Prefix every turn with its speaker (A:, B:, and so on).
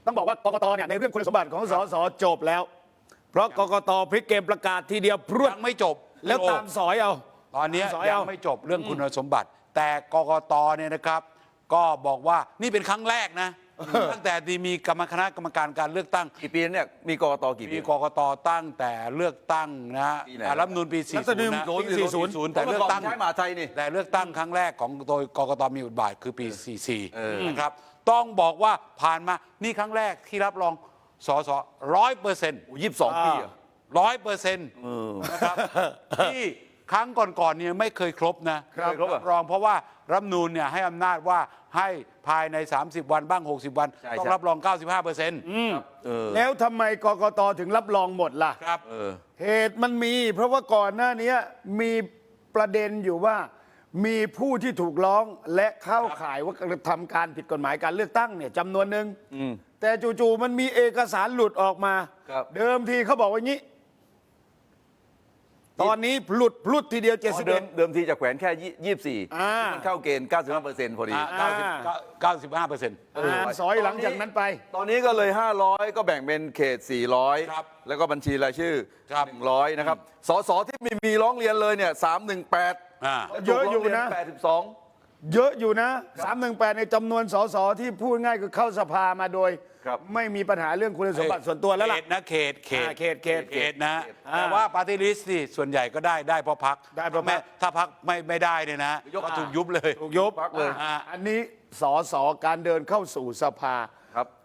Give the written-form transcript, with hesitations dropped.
A: ต้องบอกว่ากกตเนี่ยในเรื่องคุณสมบัติของสสจบแล้ว เพราะกกตพลิกเกมประกาศทีเดียวพรวด
B: ยังไม่จบ
A: แล้วตามสอยเอา
B: ตอนนี้
A: สอย
B: ยั
A: เอา
B: งไม่จบเรื่องคุณสมบัติ แต่กกตเนี่ยนะครับ ก็บอกว่านี่เป็นครั้งแรกนะ ตั้งแต่ที่มีคณะกรรมการการเลือกตั้ง
C: กี่ปีเนี่ยมีกกตกี่ปี
B: มีกกตตั้งแต่เลือกตั้งนะฮะ
C: ปีไหน
B: รัฐธรรมนูญปี 40 นะ
A: ปี40
B: แต่เลือกตั้ง
C: ใช้มหาไทยนี่
B: แต่เลือกตั้งครั้งแรกของโดยกกตมีบทบาทคือปี 44 นะครับ ต้องบอกว่าผ่านมานี่ครั้งแรกที่รับรองสส100%
C: 22 ปีอะ
B: 100%นะครับที่ครั้งก่อนๆเนี่ยไม่เคยครบนะครับ
C: ครบอะ
B: รองเพราะว่ารัฐธรรมนูญเนี่ยให้อำนาจว่าให้ภายใน 30 วันบ้าง 60 วัน
C: ใช่
B: ต้อง
C: ใช่
B: รับรอง 95%
A: แล้วทำไมกกตถึงรับรองหมดล่ะ
B: ครับ
A: เหตุมันมี เพราะว่าก่อนหน้านี้มีประเด็นอยู่ว่ามีผู้ที่ถูกร้องและเข้าข่ายว่ากระทำการผิดกฎหมายการเลือกตั้งเนี่ยจำนวนหนึ่งแต่จู่ๆมันมีเอกสารหลุดออกมา
C: ครับ
A: เดิมทีเขาบอกว่างี้ ตอนนี้หลุดพลุดทีเดียว
C: เดิมทีจะแขวนแค่ 24
A: อ่า
C: มันเข้าเกณฑ์ 95%พอดี
B: 95%
A: สอยหลังจากนั้นไป
C: ตอนนี้ก็เลย 500 ก็แบ่งเป็นเขต
B: ครับ
C: 400 แล้วก็บัญชีรายชื่อ
B: ครับ
C: 100 นะครับ สสที่มีร้องเรียนเลยเนี่ย 318
B: อ่า
A: เยอะอยู่นะ
C: 82
A: เยอะอยู่นะ318ในจำนวนสสที่พูดง่ายคือเข้าสภามาโดย
C: ครับ
A: ไม่มีปัญหาเรื่องคุณสมบัติส่วนตัวแล้วล่ะ
B: เขตนะเขต
A: เขต
B: นะ
A: อ่า
B: แต่ว่าปาร์ตี้ลิสต์นี่ส่วนใหญ่ก็ได้เพราะพัก
A: ได้เพราะพรรค
B: ถ้าพักไม่ได้เนี่ยนะก็ถูกยุบเลย
A: ถูกยุบ
C: พักเลย
B: อ่า
A: อันนี้สสการเดินเข้าสู่สภา
C: ครับ